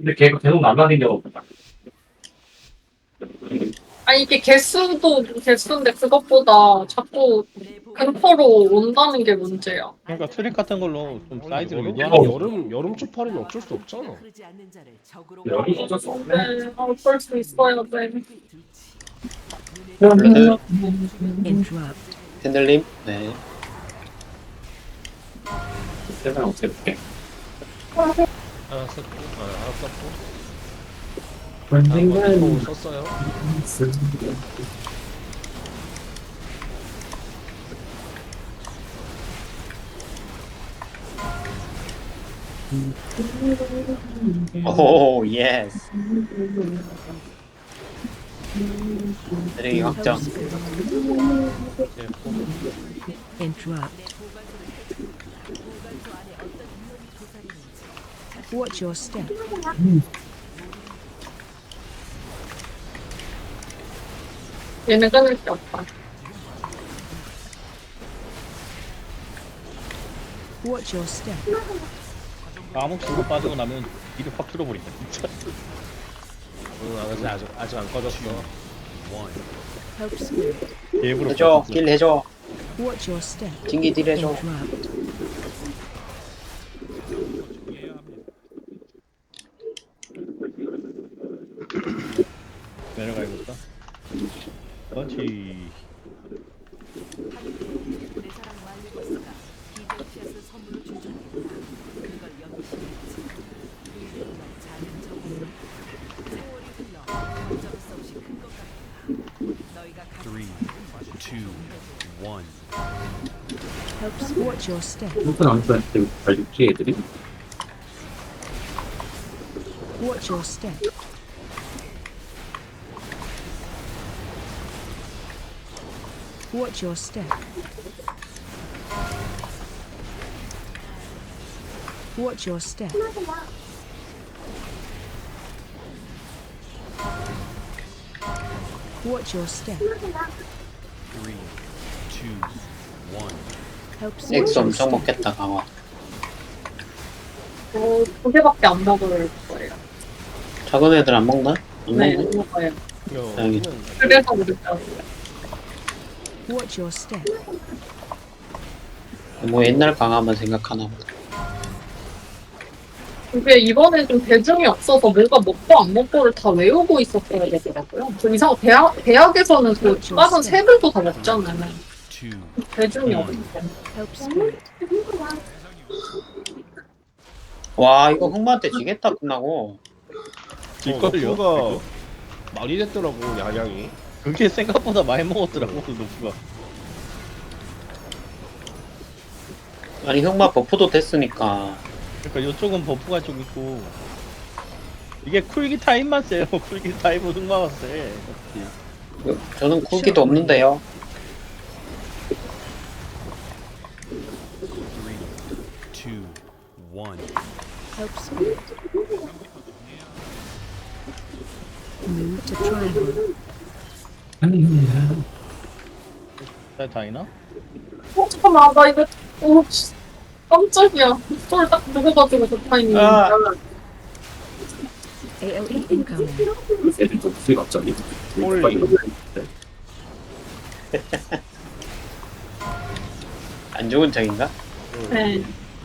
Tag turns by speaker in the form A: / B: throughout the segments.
A: 근데 걔가 계속 날라다니는 거 같다.
B: 아니 이게 개수도 개수인데 그것보다 자꾸 근포로 온다는 게 문제야.
C: 그러니까 트릭 같은 걸로 좀 사이즈를
D: 여름,
C: 유도하는 거.
D: 여름 초파리는 어쩔 수 없잖아.
A: 여기 어쩔 수 없네.
B: 네, 어쩔 수 있어야 돼.
E: 그래도
F: Interrupt.
E: 팬들님, 네.
A: 세상 어떻게 볼게.
D: 하나 썼고, 하나 썼고.
A: 언젠간
D: 또 썼어요.
E: 오, 예스. 드래기 확정.
F: Interrupt. Watch your step.
B: 얘는 끊을 게 없다.
F: Watch your step.
C: 암흑 쓰고 빠지고 나면 일이 확 줄어버린다 진짜.
D: 아직 안 꺼졌어.
F: Help spirit.
C: 개부럽다
E: 해줘,
C: 진짜.
E: 길 해줘.
F: Watch your step.
E: 징기 딜 해줘.
F: Interrupt.
C: 내려가야겠다. 그렇지.
F: Watch your step.
A: 무슨 암수한테 발육지 애들이?
F: Watch your step. Watch your step. Watch your step. Watch your step. Help
E: 엑스 엄청 먹겠다, 강화.
B: 두 개밖에 안 먹을 거예요.
E: 작은 애들 안 먹나? 안
B: 네,
E: 먹네.
B: 안 먹어요.
E: 다행이다.
B: 그래서 그랬죠.
F: Watch your step.
E: 뭐 옛날 강화만 생각하나 보다.
B: 이게 이번에 좀 대중이 없어서 뭔가 먹고 안 먹고를 다 외우고 있었어야 되더라고요. 좀 이상 대학에서는 그 다른 색을도 다 먹잖아요. 대중이 없으니까.
F: Help spirit.
E: 와, 이거 흑마한테 지겠다, 끝나고.
C: 질걸요?
D: 가 많이 됐더라고, 양양이.
C: 그게 생각보다 많이 먹었더라고 노프가.
E: 아니, 흑마 버프도 됐으니까.
C: 그러니까 이쪽은 버프가 좀 있고 이게 쿨기 타임만 세요. 쿨기 타임은 흑마가 세.
E: 저는 쿨기도 없는데요.
F: Help spirit. Move to triangle.
C: 다이나?
B: 잠깐만, 나 이거, 깜짝이야. 이걸 딱 누워가지고 그 타이밍.
E: 아.
F: AOE incoming.
A: 애들 좀 수익 갑자기.
E: 안 좋은 적인가?
B: 네.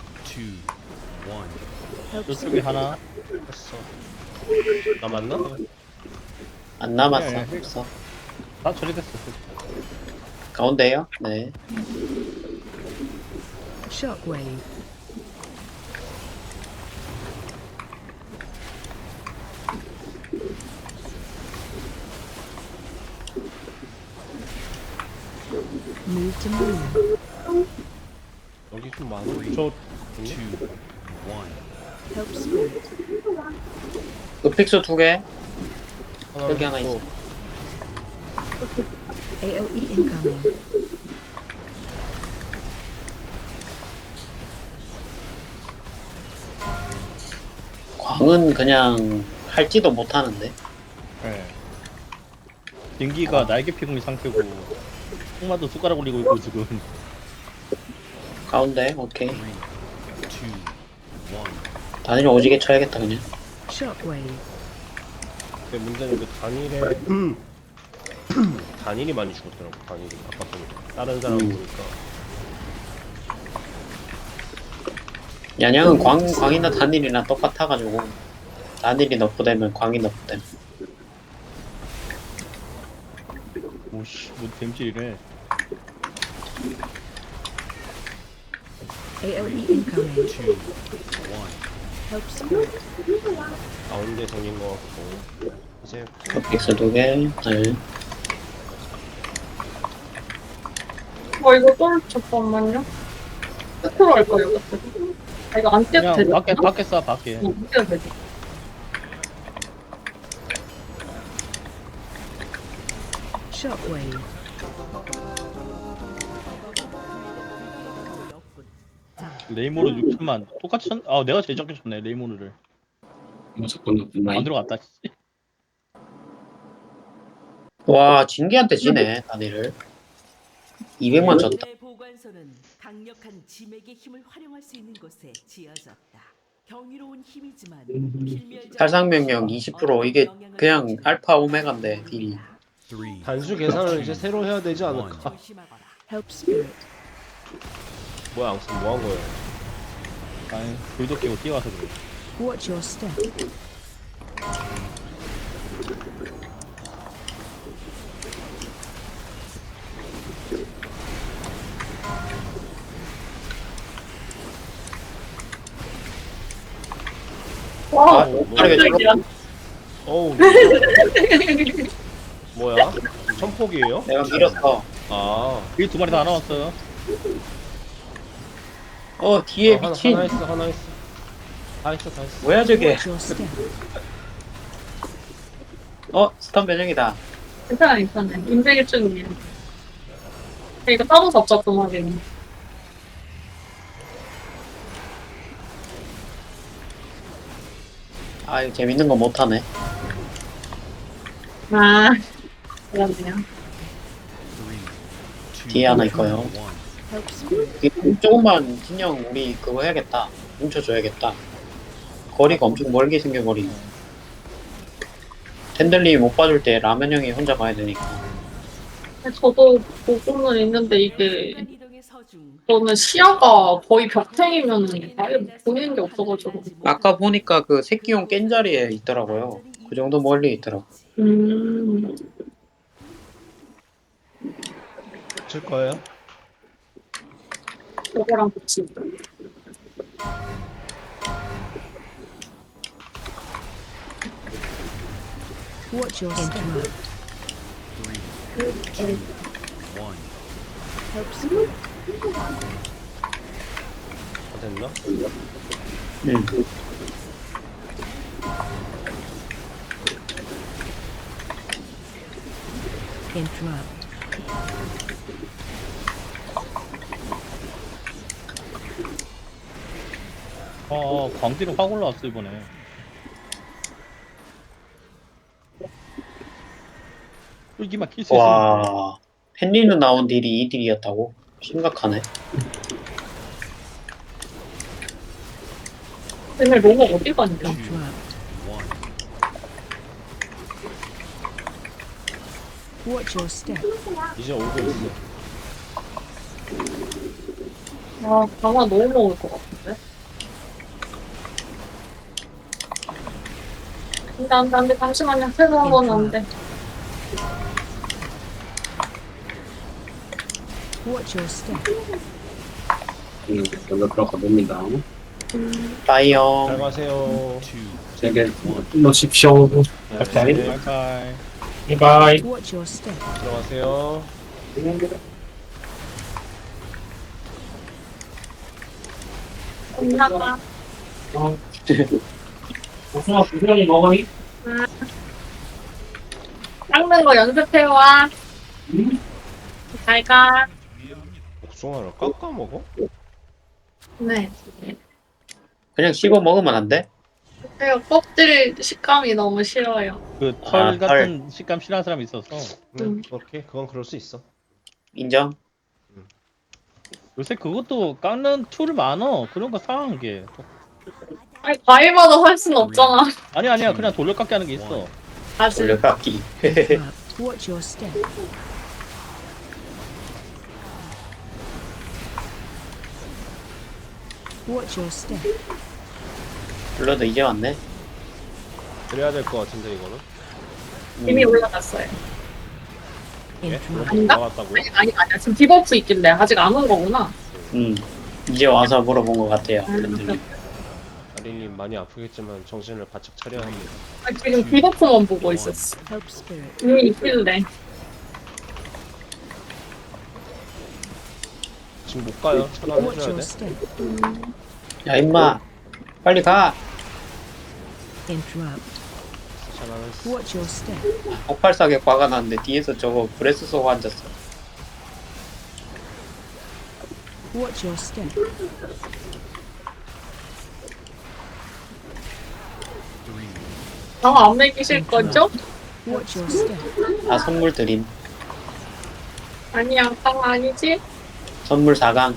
F: Help
C: 이쪽에
F: spirit.
C: 하나.
D: 했어. 남았나?
E: 안 남았어.
C: 네.
E: 없어.
C: 다 처리됐어.
E: 가운데요? 네.
F: Shockwave. Move to moon.
D: 여기 좀 많아.
C: 저
F: Help spirit.
E: 흑픽수 2개.
D: 하나
E: 여기 하나 있어.
F: AOE incoming.
E: 광은 그냥 할지도 못하는데.
C: 네. 딩기가 날개 피공이 상태고 흑마도 숟가락 올리고 있고 지금.
E: 가운데, 오케이. 단일 오지게 쳐야겠다, 그냥.
F: Shockwave.
D: 근데 문제는 그 단일에 단일이 많이 죽었더라고. 단일이 아까 보니까 다른 사람 보니까
E: 양양은 광이나 단일이나 똑같아가지고 단일이 너프되면 광이 너프됨.
C: 오씨 뭐 댐질이래.
F: AOE incoming. Help spirit.
D: 가운데 생긴 것 같고 이제
E: 빅스 2개. 네.
B: 이거 또 잠깐만요. 끝으로 할 거예요. 끝으로. 이거 안 떼도
C: 그냥
B: 되죠?
C: 밖에 쏴 밖에.
B: 안 떼도 되죠.
F: Shockwave.
C: 레이모르 6천만 똑같이 쳤... 아 내가 제일 적게 쳤네 레이모르를.
A: 이거 접근도 없나?
C: 안 들어갔다.
E: 와 진기한테 지네 단일을. 200만 쳤다.
G: 내 보관소는 강력한 지맥의 힘을 활용할 수 있는 곳에 지어졌다. 경이로운 힘이지만 필멸자
E: 살상명령 20% 이게 그냥 알파 오메가인데 딜이.
D: 단수 계산을 이제 새로 해야 되지 않을까?
G: 조심하거라.
F: Help spirit.
D: 뭐야 앙슨 뭐한 거예요?
C: 아니 불도 끼고 뛰어와서 그래.
F: Watch your step.
B: 와,
E: 빠르게 찔러.
B: 깜짝이야.
D: 어우 뭐야? 천폭이에요?
E: 내가 밀었어.
D: 아
C: 여기 두 마리 다 나왔어요.
E: 뒤에
D: 하나
E: 미친.
D: 있어 하나 있어 다 있어 다 있어.
E: 뭐야 저게?
F: Watch your step.
E: 스턴 배정이다.
B: 괜찮아, 괜찮아. 인생일 중이에요. 이거 따로 잡자, 그 말이네.
E: 이거 재밌는 거 못하네.
B: 아, 그렇네요.
E: 뒤에 하나 있고요.
F: Help spirit.
E: 이게 조금만 진영 우리 그거 해야겠다. 뭉쳐줘야겠다. 거리가 엄청 멀게 생겨버리네. 텐들리 못 봐줄 때 라면 형이 혼자 가야 되니까.
B: 저도 보고는 있는데 이게
G: 이동의 서중.
B: 저는 시야가 거의 벽탱이면 아예 보이는 게 없어가지고.
E: 아까 보니까 그 새끼용 깬 자리에 있더라고요. 그 정도 멀리 있더라고.
D: 칠 거예요?
B: 저거랑 같이.
F: Watch your step. Help spirit.
D: 다 됐나?
E: 응.
F: Interrupt.
C: 광기로 확 올라왔어 이번에. 쫄기만 킬수 있으면
E: 와, 헨리는 나온 딜이 이 딜이었다고? 심각하네.
B: 맨날 로고 어디 갔냐?
F: Interrupt. Watch your step.
D: 이제 오고 있어.
B: 아, 강화 너무 먹을 것 같은데? 안 돼, 잠시만요. 새로 한 건 안 돼.
F: Watch your step.
A: 먼저 들어가 봅니다.
E: 빠이영.
D: 잘 가세요.
A: 제게 넣으십시오.
D: 네,
C: 바이바이.
A: 바이.
F: Watch your step.
D: 들어가세요.
B: 엄마가.
A: 복숭아 부스러기 먹으니?
B: 닦는 거 연습해와. 잘 가.
D: 복숭아를 깎아 먹어?
B: 네.
E: 그냥 씹어 먹으면 안 돼?
B: 제가 껍질 식감이 너무 싫어요.
C: 그 털
E: 아,
C: 같은 식감 싫어하는 사람이 있어서
D: 그렇게 그건 그럴 수 있어.
E: 인정?
C: 요새 그것도 깎는 툴 많어. 그런 거 사는 게.
B: 아니 과일마다 할 수는 없잖아.
C: 아니야 그냥 돌려깎기 하는 게 있어.
B: 아직
E: 돌려깎기.
F: Interrupt. Watch your step. Watch your step.
E: 블러드 이제 왔네.
D: 그래야 될 것 같은데 이거는.
B: 이미 올라갔어요.
F: Interrupt.
B: 아닌가?
D: 나왔다고요?
B: 아니야. 지금 디버프 있길래 아직 안 온 거구나.
E: 이제 와서 물어본 것 같아요. 밴들님.
D: 아린님 많이 아프겠지만 정신을 바짝 차려야 합니다.
B: 아, 지금 디버프만 보고 있었어.
F: Help spirit.
B: 이미 있길래.
D: 지금 못 가요.
F: Watch
D: 차단해줘야
F: your
D: 돼.
F: step.
E: 야 임마, 빨리 가.
F: Interrupt.
D: 차단했어.
F: Watch your step.
E: 폭발 사격 박아놨는데 뒤에서 저거 브레스 쏘고 앉았어.
F: Watch your step.
B: 안 먹이실 거죠?
F: Watch your step.
E: 다 선물 드림.
B: 아니야, 방 아니지?
E: 선물 4강.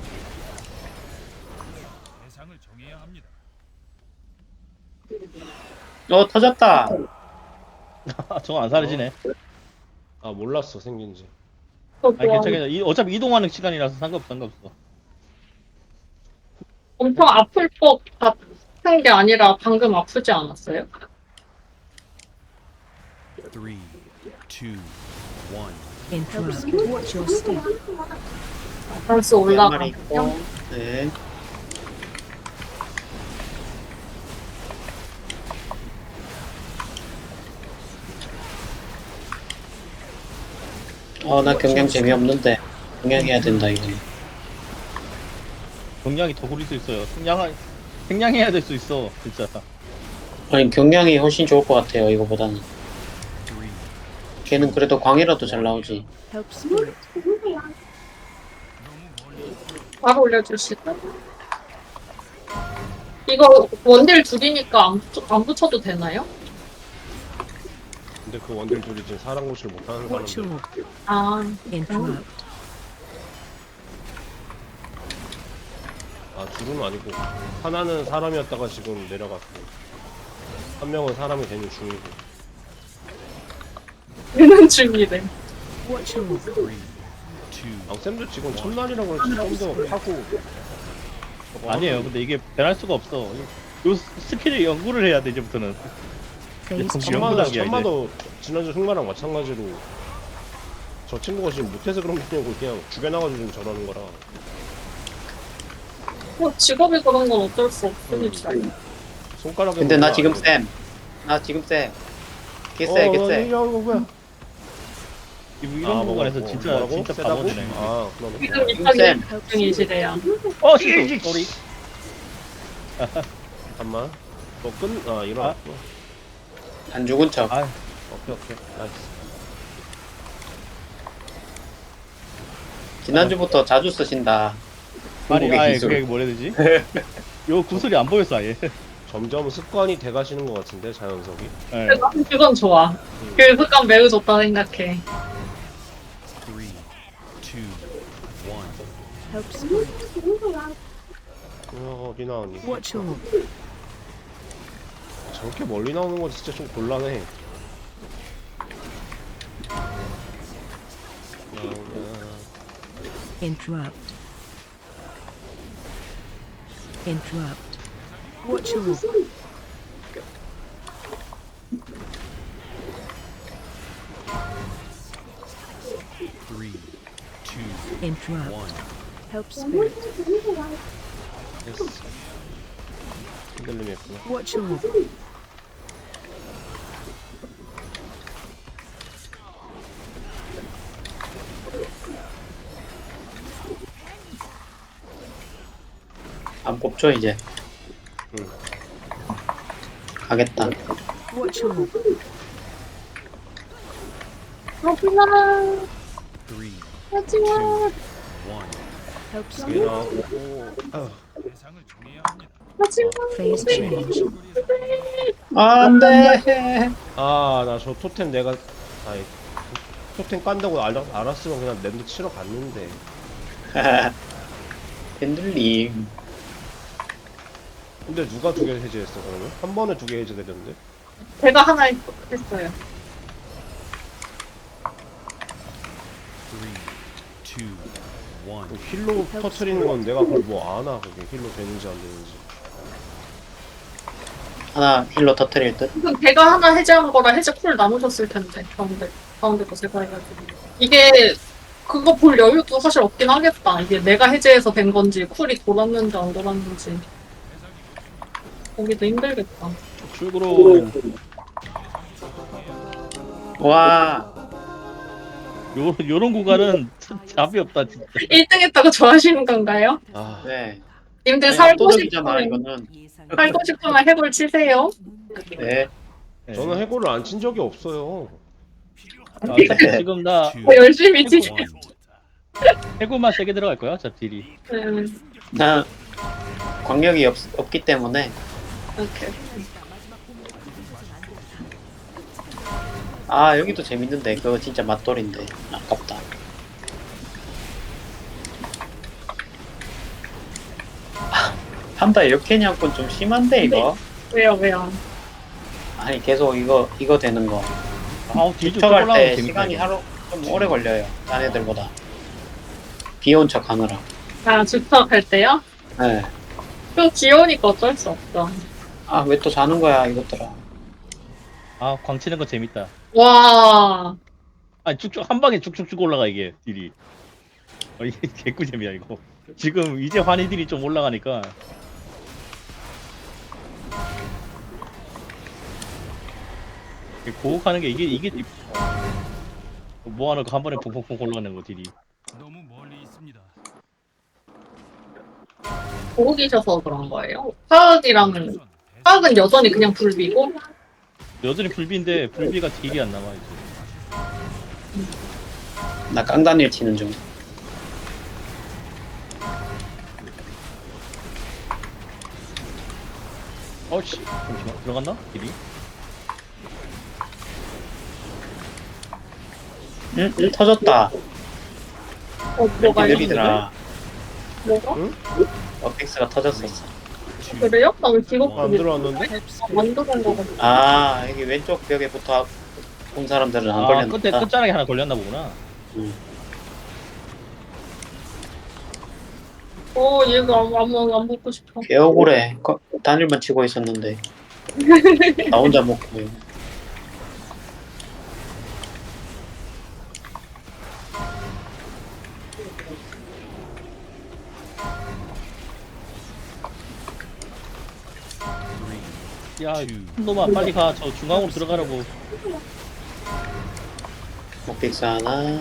E: 터졌다.
C: 저거 안 사라지네.
D: 아 몰랐어 생긴지.
B: 또
C: 아니
B: 뭐,
C: 괜찮아. 어차피 이동하는 시간이라서 상관없어.
B: 엄청 아플 것 같은 게 아니라 방금 아프지 않았어요?
H: 3, 2, 1.
F: Interrupt. Watch your step.
B: 단수
E: 한 마리
B: 올라가.
E: 있고. 네. 나 경량 재미없는데. 경량해야 된다, 이거.
C: 경량이 더 구릴 수 있어요. 생량해야 될 수 있어 진짜.
E: 아니, 경량이 훨씬 좋을 것 같아요, 이거보다는.
H: 3,
E: 걔는 그래도 광이라도 잘 나오지.
F: Help spirit.
B: 바로 올려주시고. 이거 원딜 둘이니까 안 붙여도 되나요?
D: 근데 그 원딜 둘이 지금 사람 고시를 못하는
F: Watch
D: 사람들.
F: your.
B: 아,
F: Interrupt.
D: 아 둘은 아니고 하나는 사람이었다가 지금 내려갔고 한 명은 사람이 되는 중이고.
B: 되는 중이래.
F: Watch your.
H: 3, 2,
D: 앙쌤도 지금 첫날이라고 그랬지. 좀더 하고.
C: 아니에요. 근데 이게 변할 수가 없어. 요 스킬을 연구를 해야 돼 이제부터는.
F: Phase
C: 정신
F: change.
C: 연구 단계야,
D: 천마도 지난주 흑마랑 마찬가지로 저 친구가 지금 못해서 그런 게 아니고 그냥 죽여나가지고 지금 저러는 거라.
B: 뭐 직업이 그런 건 어쩔 수 없으니까.
D: 손가락에
E: 근데 나
D: 뭐가
E: 지금
D: 안 돼.
E: 쌤. 나 지금 쌤. 개쎄, 개쎄.
D: 이거 뭐야?
C: 이런 부분에서 진짜
D: 세다고?
C: 바보지네.
D: 아 그럼
B: 지금
E: 지금
B: 이쪽이
E: 쌤.
B: 중이시래요.
C: 실수. 쏘리.
D: 잠깐만. 일어났어.
E: 안 죽은 척.
C: 아,
D: 오케이 나이스.
E: 지난주부터 자주 쓰신다.
C: 아니
E: 중국의 기술.
C: 그게 뭐라 해야 되지? 요 구슬이 안 보였어 아예.
D: 점점 습관이 돼가시는 것 같은데 자연석이.
C: 네.
B: 나는 그건 좋아. 그 습관 매우 좋다 생각해.
H: 3, 2, 1.
F: Help spirit.
D: 어디 나오니?
F: Watch your.
D: 저렇게 멀리 나오는 건 진짜 좀 곤란해.
F: Interrupt. Interrupt. Watch your.
H: 3, 2,
F: Interrupt.
H: 1.
F: Help spirit.
D: 됐어. 흔들림이 했구나.
F: Watch your.
E: 안 뽑죠, 이제.
D: 응.
E: 가겠다.
F: Watch your.
B: 하지마.
H: 3, 2,
B: 하지마.
H: 1.
F: Help
D: 이게
F: spirit.
D: 나오고.
B: 하지마.
F: Phase change.
E: 안 돼.
D: 나 저 토템 내가 아니 토템 깐다고 알았으면 그냥 랜드 치러 갔는데.
E: 밴들님.
D: 근데 누가 두 개 해제했어 그러면? 한 번에 두 개 해제되는데?
B: 제가 하나 했어요.
H: 3, 2, 1.
D: 힐로 터트리는 건 내가 그걸 뭐 아나 그게 힐로 되는지 안 되는지.
E: 하나 힐로 터트릴 듯?
B: 그럼 제가 하나 해제한 거라 해제 쿨 나누셨을 텐데 가운데 거 제가 해가지고 이게 그거 볼 여유도 사실 없긴 하겠다. 이게 내가 해제해서 된 건지 쿨이 돌았는지 안 돌았는지 보기도 힘들겠다.
C: 출구로
E: 와,
C: 요런 구간은 답이 없다 진짜.
B: 1등 했다고 좋아하시는 건가요?
D: 아
E: 네.
B: 님들
E: 아니,
B: 살고
E: 압도적이잖아,
B: 싶으면
E: 이거는.
B: 살고 싶으면 해골 치세요.
E: 네.
C: 네.
D: 저는 해골을 안 친 적이 없어요.
C: 아, 지금 나
B: 열심히 치세요.
C: 해골만 세게 들어갈 거야 저 딜이.
E: 나 광력이 없기 때문에.
B: 오케이.
E: 아, 여기도 재밌는데. 그거 진짜 맛돌인데. 아깝다. 한달 역캐냥권 좀 심한데, 이거?
B: 왜요?
E: 아니, 계속 이거 되는 거.
C: 아우 딜 좀
E: 쫓아갈
C: 올라가면
E: 때
C: 재밌다.
E: 시간이
C: 이거.
E: 하루 좀 오래 걸려요. 딴 애들보다. 비온 척 하느라.
B: 아, 주턱할 때요?
E: 네.
B: 좀 귀여우니까 어쩔 수 없죠.
E: 아, 왜 또 자는 거야, 이것들아.
C: 아 광치는 거 재밌다.
B: 와,
C: 아 쭉쭉 한 방에 쭉쭉쭉 올라가 이게 딜이. 이게 개꿀잼이야 이거. 지금 이제 환희 딜이 좀 올라가니까. 고혹하는 게 이게 뭐 하는 거 한 번에 퐁퐁퐁 올라가는 거 딜이.
H: 너무 멀리 있습니다.
B: 보고 계셔서 그런 거예요? 화학이랑은, 화학은 여전히 그냥 불비고,
C: 여전히 불비인데 불비가 딜이 안 남아 이제.
E: 나 깡단일 치는 중.
C: 어씨 잠시만 들어갔나 딜이?
E: 응? 터졌다.
B: 뭐가
E: 느리더라.
B: 뭐가?
E: 어펙스가 터졌었어.
B: 그래요? 나 왜 기록
D: 안 들어왔는데?
B: 만들은 거 같아.
E: 아, 여기 왼쪽 벽에 붙어 온 사람들은 안
C: 아
E: 걸렸다.
C: 끝에 끝자락에 하나 걸렸나 보구나.
B: 얘가 안 먹고 싶어.
E: 개 억울해. 단일만 치고 있었는데. 나 혼자 먹고.
C: 야 놈아 빨리 가. 저 중앙으로 들어가라고.
E: 목픽스 하나.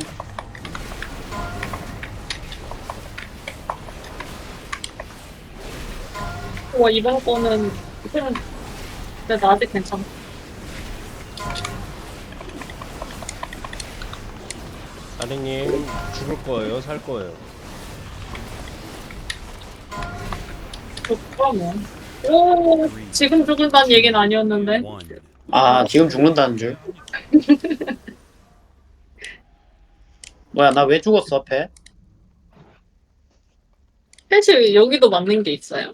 B: 와, 이번 거는, 근데 나 아직 괜찮아.
D: 사장님 죽을 거예요? 살 거예요?
B: 좋다, 뭐. 오, 지금 죽은다는 얘기는 아니었는데.
H: 1.
E: 아, 지금 죽는다는 줄. 뭐야, 나 왜 죽었어, 앞에?
B: 사실 여기도 맞는 게 있어요.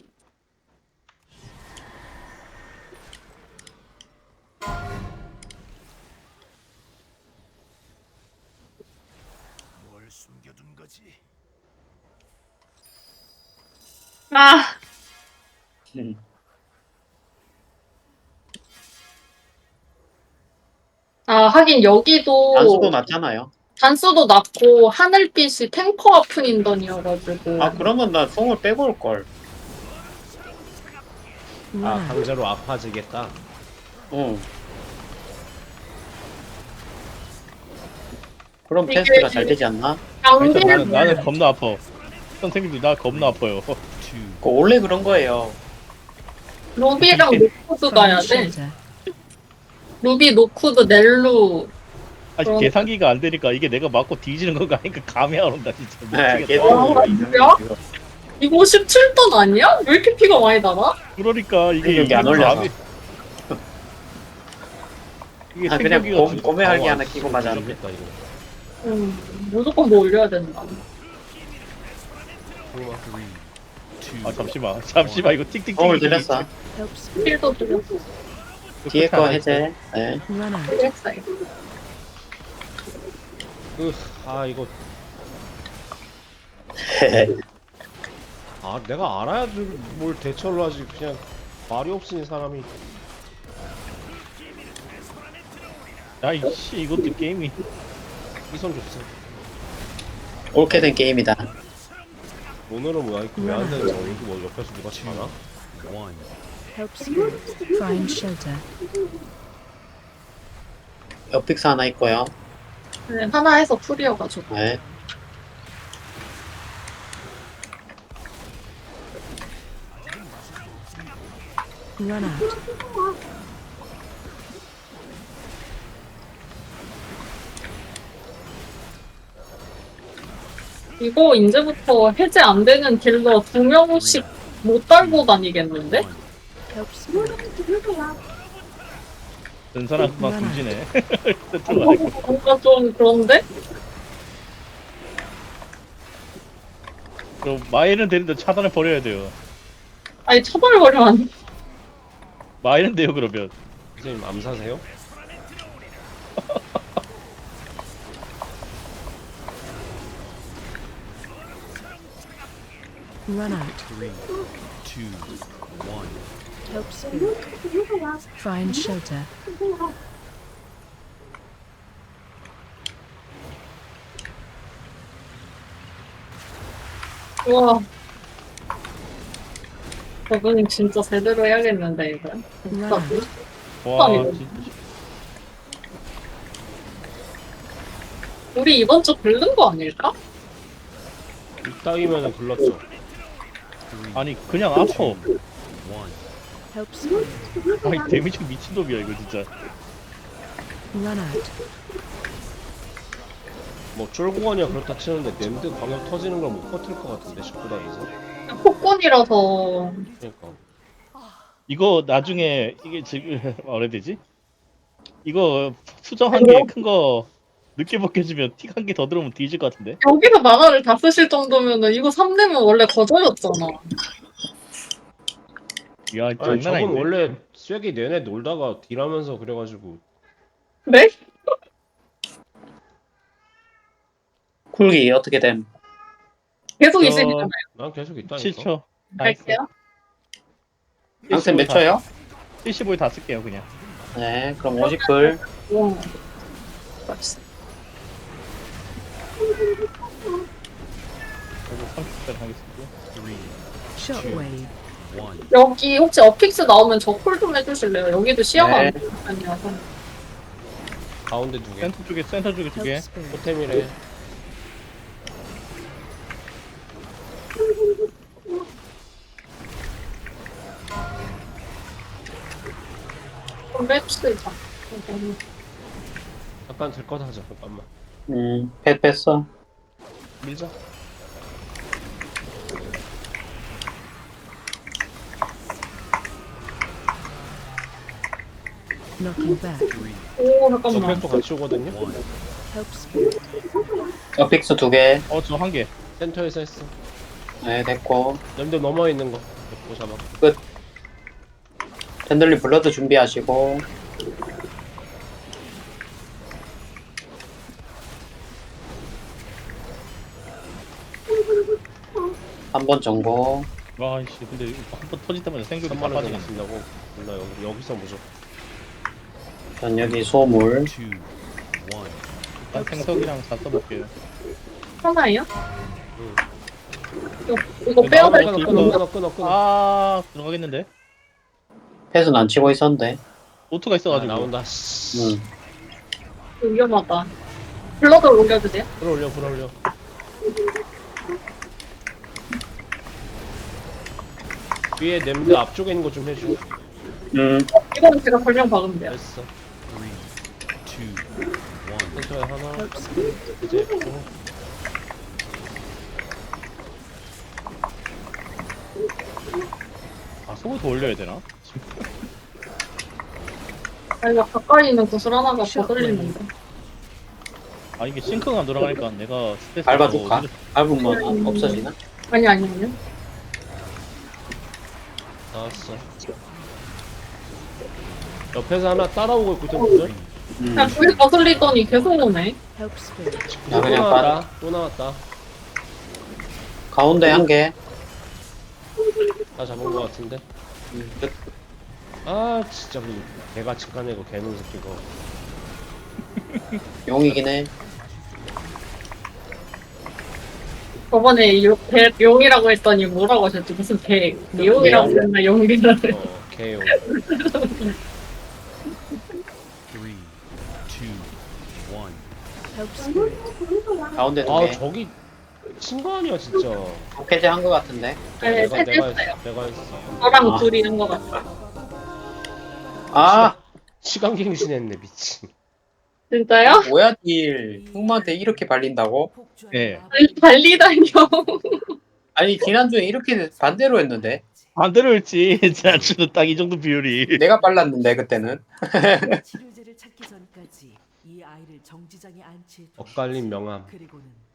H: 뭘 숨겨둔 거지?
B: 아,
E: 음.
B: 하긴 여기도
E: 단수도 낮잖아요.
B: 단수도 낮고 하늘빛이 탱커 아픈 인던이어가지고.
E: 아, 그러면 나 송을 빼고 올걸.
D: 아 강제로 아파지겠다.
E: 응. 그럼
B: 이게
E: 테스트가 잘 되지 않나?
C: 일단
B: 양대를
C: 나는 겁나 아파. 선생님들 나 겁나 아파요.
H: 2.
E: 그거 원래 그런 거예요.
B: 루비랑 노쿠드 가야 돼.
F: Shelter.
B: 루비, 노쿠드, 넬루.
C: 아직
B: 그럼-
C: 계산기가 안 되니까 이게 내가 맞고 뒤지는 건가 하니까 감이 안 온다 진짜.
E: 네,
C: 미치겠다.
E: 계속
B: 뭐야? 이거 17돈 아니야? 왜 이렇게 피가 많이 나나?
C: 그러니까 이게
E: 여기 안 올려서.
C: 이게
E: 아, 그냥
C: 생각이가
E: 고매할기 하나 끼고 맞았는데.
D: 죽겠다 이거.
B: 무조건 뭐 올려야 된다.
H: 3,
C: 아 잠시만 이거 틱틱틱.
E: 도움을 드렸어.
F: Help spirit.
B: 필도 드렸어.
E: 뒤에 거 해제. 네.
F: Run out.
B: 드렸어요.
D: 이거 내가 알아야지 뭘 대처를 하지. 그냥 말이 없으니 사람이.
C: 야이씨 이것도 게임이.
D: 이선 줬어.
E: 옳게 된 게임이다.
D: 오늘은 뭐야? 이거 왜안 되는 거야? 이거 뭐 옆에서 누가 치나?
F: Help spirit. Find shelter.
E: 옆픽스 하나 있고요.
B: 네, 하나 해서 풀이어가지고.
E: 네.
F: Run out.
B: 이거 이제부터 해제 안 되는 딜러 2명씩 못 달고 다니겠는데?
F: Help spirit.
C: 든 사람 막 굶지네.
B: 뭔가 좀 그런데?
C: 그럼 마일은 되는데 차단을 버려야 돼요.
B: 아니 처벌버리면 안 돼.
C: 마일은 돼요 그러면.
D: 선생님 암사세요?
F: Run out.
H: 3, 2, 1.
F: Help spirit. Find shelter.
B: 우와. 저분이 진짜 제대로 해야겠는데 이거.
F: Run out.
C: 와
B: 아니요.
C: 진짜.
B: 우리 이번 주 긁는 거 아닐까?
D: 이따위면은 글렀죠.
C: 아니 그냥 아파.
H: 1.
F: Help spirit.
C: 아니 데미지 미친놈이야 이거 진짜.
F: Run out.
D: 뭐 쫄고원이야 그렇다 치는데 램드 광역 터지는 걸 못 버틸 것 같은데 19단에서.
B: 폭군이라서
D: 그러니까.
C: 이거 나중에 이게 지금 뭐라 해야 되지? 이거 수정 한 개 큰 거 늦게 벗겨주면 틱 한 개 더 들어오면 뒤질 것 같은데?
B: 여기서 만화를 다 쓰실 정도면은 이거 3대면 원래 거저였잖아.
C: 야
D: 아니
C: 장난
D: 저건
C: 아닌데?
D: 원래 쐐기 내내 놀다가 딜하면서 그래가지고
B: 네?
E: 쿨기 어떻게 됨?
B: 계속
C: 저-
B: 있으니까
D: 난 계속 있다니까.
C: 7초.
B: 갈게요.
E: 양쌤 몇 초요?
C: 75에 다 쓸게요 그냥.
E: 네, 그럼 50불.
B: 우와. 맛있어.
C: 그리고 30분 하겠습니다.
H: 3,
F: Shockwave.
H: 1.
B: 여기 혹시 어픽스 나오면 저 콜 좀 해주실래요? 여기도 시야가
E: 네.
B: 안 좋은 편이라서.
D: 가운데 두 개.
C: 센터 쪽에 두 개.
F: Help spirit.
D: 토템이래.
B: 좀 뺍시다.
D: 잠깐 될 것 하자. 잠깐만.
E: 펫 뺐어.
D: 밀자.
F: Knocking back.
H: 3,
B: 오
D: 저
B: 잠깐만.
D: 팩도 같이 오거든요.
H: 1.
F: Help spirit.
E: 옆픽스 2개.
C: 저 한 개.
D: 센터에서 했어.
E: 네, 됐고.
D: 램드 넘어 있는 거. 또 잡아.
E: 팬들리 블러드 준비하시고. 한 번 정보.
C: 와이씨 근데 한 번 터질 때마다 생각이
D: 3만
C: 다
D: 원
C: 빠지네.
D: 정도 쓴다고. 몰라 여기서 무조.
E: 전 여기 소물.
H: 2, 1.
C: 일단 생석이랑 다 써볼게요.
B: 하나예요?
D: 응.
B: 이거 빼야 될
C: 나가고
B: 거.
C: 있어.
D: 끊어.
C: 아 들어가겠는데?
E: 펫은 안 치고 있었는데.
C: 오토가
D: 아,
C: 있어가지고.
D: 나온다.
B: 위험하다. 블러드 올려도 돼요?
D: 불어올려. 위에 램드 앞쪽에 있는 거 좀 해줘.
B: 이거는 제가 설명 박으면 돼요.
D: 됐어.
H: 3, 2, 1.
D: 센터에 하나.
F: Help spirit.
D: 이제
C: 아 속을 더 올려야 되나?
B: 아이가 가까이 있는 구슬 하나가 거슬리는데.
C: 아 이게 싱크가 안 돌아가니까 내가 스트레스
E: 밟아줄까? 밟으면 없어지나?
B: 아니.
D: 나왔어. 옆에서 하나 따라오고 있고 있거든.
B: 그냥 불 거슬리더니 계속 오네.
F: Help spirit.
E: 나
D: 또
E: 그냥
D: 나왔다. 또 나왔다.
E: 가운데 한 개.
D: 다 잡은 거 같은데.
E: 끝.
D: 아 진짜 그 개가 직관내고 개는 새끼가.
E: 용이긴 해.
B: 저번에 용이라고 했더니 뭐라고 하셨지? 무슨 용이라고 했나 용이라고 했나.
D: 개용.
H: 3, 2, 1.
F: Help spirit.
E: 가운데 두
D: 아
E: 개.
D: 저기 친거 아니야 진짜.
E: 해제 한 거 같은데.
B: 네,
D: 내가
B: 해제했어요.
D: 했어. 내가 했어.
B: 저랑
E: 아.
B: 둘이 한 것 같아.
E: 아
D: 시간갱신했네 미친.
B: 진짜요?
E: 뭐야 딜. 흑마한테 이렇게 발린다고?
C: 예.
B: 아니, 달리다니요.
E: 아니 지난주에 이렇게 반대로 했는데
C: 반대로 했지. 자주는 딱 이 정도 비율이.
E: 내가 빨랐는데 그때는.
G: 치료제를 찾기 전까지 이 아이를 정지장에 안치해
D: 엇갈린 명함.
G: 그리고는